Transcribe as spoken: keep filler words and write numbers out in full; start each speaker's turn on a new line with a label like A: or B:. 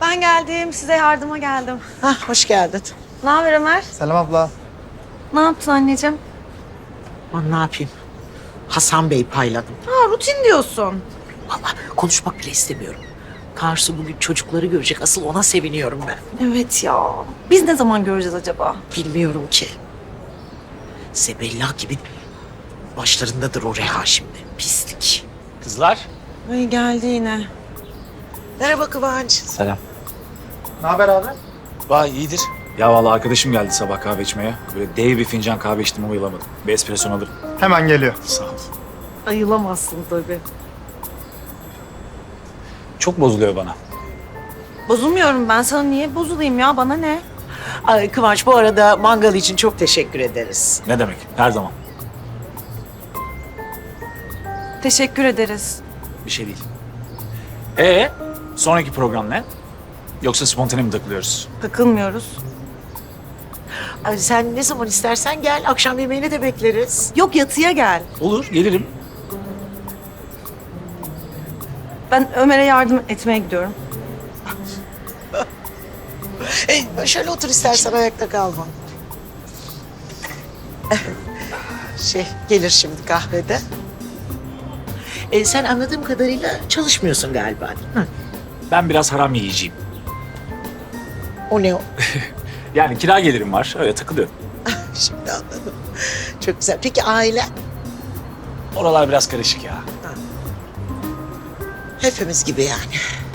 A: Ben geldim, size yardıma geldim.
B: Hah, hoş geldin.
A: Ne haber Ömer?
C: Selam abla.
A: Ne yaptın anneciğim?
B: Aman ne yapayım? Hasan Bey payladım.
A: Ha, rutin diyorsun.
B: Vallahi konuşmak bile istemiyorum. Karsu bugün çocukları görecek. Asıl ona seviniyorum ben.
A: Evet ya. Biz ne zaman göreceğiz acaba?
B: Bilmiyorum ki. Sebella gibi başlarındadır o Reha şimdi. Pislik.
D: Kızlar.
A: Ay geldi yine.
B: Merhaba Kıvanç.
D: Selam.
C: Ne haber abi?
D: Vay iyidir. Ya vallahi arkadaşım geldi sabah kahve içmeye. Böyle dev bir fincan kahve içtim ama bayılamadım. Bir espresso alırım.
C: Hemen geliyor.
D: Sağ ol.
A: Ayılamazsın tabii.
D: Çok bozuluyor bana.
A: Bozulmuyorum ben. Sana niye bozulayım ya? Bana ne?
B: Ay Kıvanç, bu arada mangal için çok teşekkür ederiz.
D: Ne demek? Her zaman.
A: Teşekkür ederiz.
D: Bir şey değil. Ee, sonraki program ne? Yoksa spontane mi takılıyoruz?
A: Takılmıyoruz.
B: Ay, sen ne zaman istersen gel. Akşam yemeğini de bekleriz.
A: Yok yatıya gel.
D: Olur, gelirim.
A: Ben Ömer'e yardım etmeye gidiyorum.
B: E, şöyle otur istersen, ayakta kalma. Eh, Şey, gelir şimdi kahvede. E, sen anladığım kadarıyla çalışmıyorsun galiba, değil mi?
D: Ben biraz haram yiyeceğim.
B: O ne o?
D: Yani kira gelirim var, öyle takılıyorum.
B: Şimdi anladım. Çok güzel. Peki aile?
D: Oralar biraz karışık ya.
B: Hepimiz gibi yani.